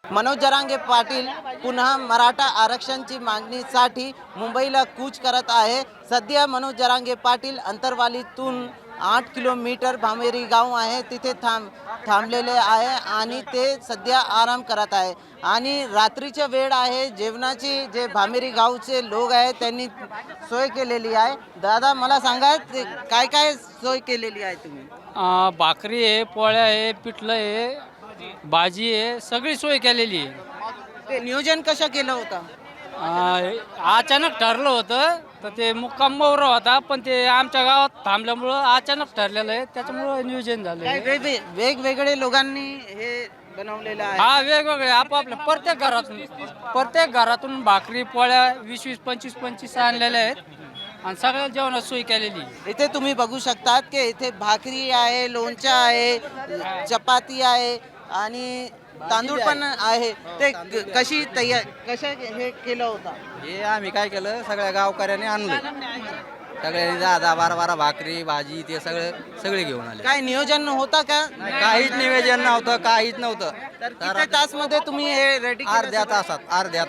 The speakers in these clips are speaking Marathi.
मनोज जरांगे पाटील पुन्हा मराठा आरक्षणची मागणीसाठी मुंबईला कूच करत आहे। सध्या मनोज जरांगे पाटील अंतरवालीतून 8 किलोमीटर भामेरी गाव आहे तिथे थांबलेले आहे आणि ते सध्या आराम करत आहे आणि रात्रीची वेळ आहे। जेवणाची जे भामेरी गावचे लोक आहेत त्यांनी सोय केलेली आहे। दादा मला सांगा काय काय सोय केलेली आहे तुम्ही? भाकरी आहे, पोळ्या आहे, पिठलं आहे, भाजी आहे, सगळी सोय केलेली आहे। ते नियोजन कसं केलं होतं? अचानक ठरलं होतं तर ते मुक्काम मोर होता, पण ते आमच्या गावात थांबल्यामुळं अचानक ठरलेलं आहे, त्याच्यामुळं नियोजन झालं काय आहे। वेगवेगळे लोकांनी हे बनवलेलं आहे? हा, वेगवेगळे आपापल्या प्रत्येक घरातून भाकरी पोळ्या 20-20, 25-25 आणलेल्या आहेत आणि सगळ्या जेवणाची सोय केलेली आहे। इथे तुम्ही बघू शकतात की इथे भाकरी आहे, लोणचं आहे, चपाती आहे आणि तांदूळ पण आहे। ते कसं हे केलं होतं? हे आम्ही काय केलं, सगळ्या गावकऱ्यांनी आणलं, सगळ्यांनी 10-10, 12-12 भाकरी भाजी ते सगळे घेऊन आले। काय नियोजन होतं का? काहीच नियोजन नव्हतं, काहीच नव्हतं। तर किती तास मध्ये तुम्ही हे रेडी? अर्ध्या तासात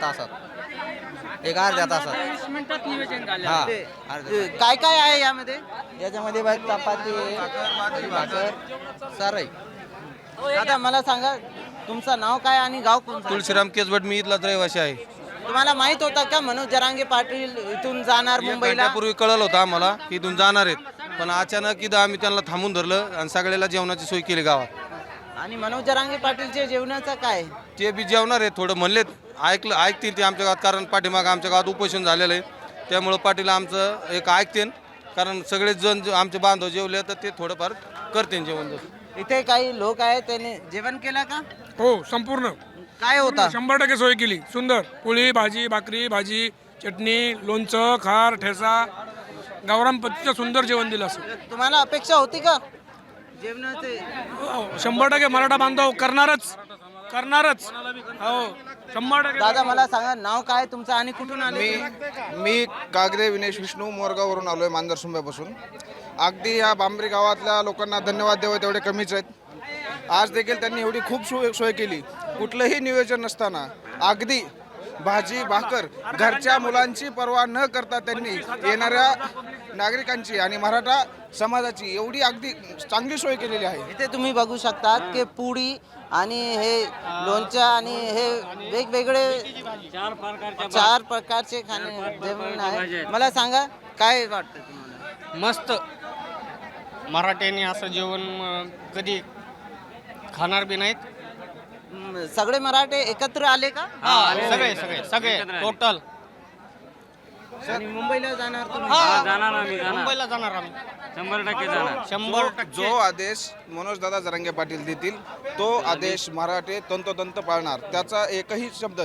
एक अर्ध्या तासात 20 मिनिटात नियोजन झालं। हा, काय काय आहे यामध्ये? याच्यामध्ये बाई चपाती आहे, भाकर सारं आहे। दादा मला सांगा तुमचं नाव काय आणि गाव कोणतं? तुळशीराम केसभट, मी इथलाच रहिवासी आहे। तुम्हाला माहित होतं का मनोज जरांगे पाटील इथून जाणार मुंबईला? पूर्वी कळलं होतं आम्हाला की इथून जाणार आहेत, पण अचानक इथं आम्ही त्यांना थांबून धरलं आणि सगळ्याला जेवणाची सोय केली गावात। आणि मनोज जरांगे पाटीलचे जेवणाचं काय? ते बी जेवणार आहेत, थोडं म्हणलेत, ऐकतील ते आमच्या गावात, कारण पाठीमागं आमच्या गावात उपोषण झालेलं आहे, त्यामुळं पाटील आमचं एक ऐकतील, कारण सगळेच जण आमचे बांधव जेवले तर ते थोडंफार करतील जेवण। इथे काही लोक आहेत त्यांनी जेवण केलं का? हो, संपूर्ण काय होता? 100% सोय केली। सुंदर पोळी भाजी, भाकरी भाजी, चटणी, लोणचं, खार, ठेचा, गावरान पद्धतीचं सुंदर जेवण दिलं असं। तुम्हाला अपेक्षा होती का जेवणाचे? 100% मराठा बांधव करणारच हो, 100%। दादा मला सांगा नाव काय तुमचं आणि कुठून आले? मी कागदे विनेश विष्णू मोरगाववरून आलो आहे, मांजर सुंब्यापासून। अगदी या बांबरी गावातल्या लोकांना धन्यवाद द्यावे तेवढे कमीच आहेत। आज देखील त्यांनी एवढी खूप सोय केली, कुठलंही नियोजन नसताना अगदी भाजी भाकर घरच्या मुलांची पर्वा न करता त्यांनी येणाऱ्या नागरिकांची आणि मराठा समाजाची एवढी अगदी चांगली सोय केलेली आहे। इथे तुम्ही बघू शकतात की पुडी आणि हे लोणचं आणि हे वेगवेगळे 4 प्रकारचे खाणे जेवण आहे। मला सांगा काय वाटतं तुम्हाला? मस्त, मराठ्यांनी असं जेवण कधी खाणार बी नाहीत। सगळे मराठे एकत्र आले का? सगळे टोटल। आणि मुंबईला जाणार तुम्ही? मुंबईला जाणार आम्ही, 100% जाणार, 100%। जो आदेश मनोज दादा जरांगे पाटील देतील तो आदेश मराठे तंतोतंत पाळणार। त्याचा एकही शब्द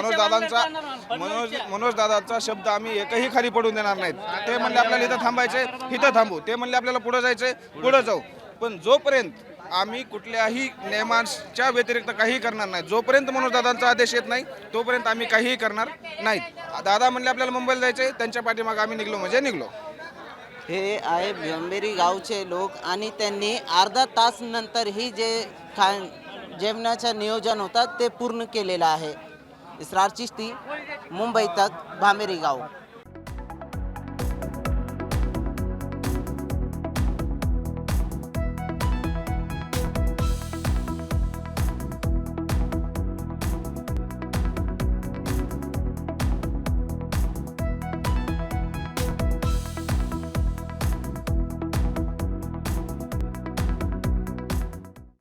मनोज दादाचा शब्द आम्ही एकही खाली पडून देणार नाहीत। ते म्हणले आपल्याला इथं थांबायचे, इथं थांबू, ते म्हणले आपल्याला पुढे जायचे, पुढे जाऊ, पण जोपर्यंत आम्ही कुठल्याही नियमांच्या व्यतिरिक्त काही करणार नाही, जोपर्यंत मनोज दादांचा आदेश येत नाही तोपर्यंत आम्ही काहीही करणार नाहीत। दादा म्हणले आपल्याला मुंबईला जायचे, त्यांच्या पाठीमागे आम्ही निघलो म्हणजे निघलो। हे आहे भामेरी गावचे लोक आणि त्यांनी अर्धा तास नंतरही जे जेवणाचं नियोजन होतं ते पूर्ण केलेलं आहे। इसरार चिश्ती, मुंबई तक, भामेरी गाव।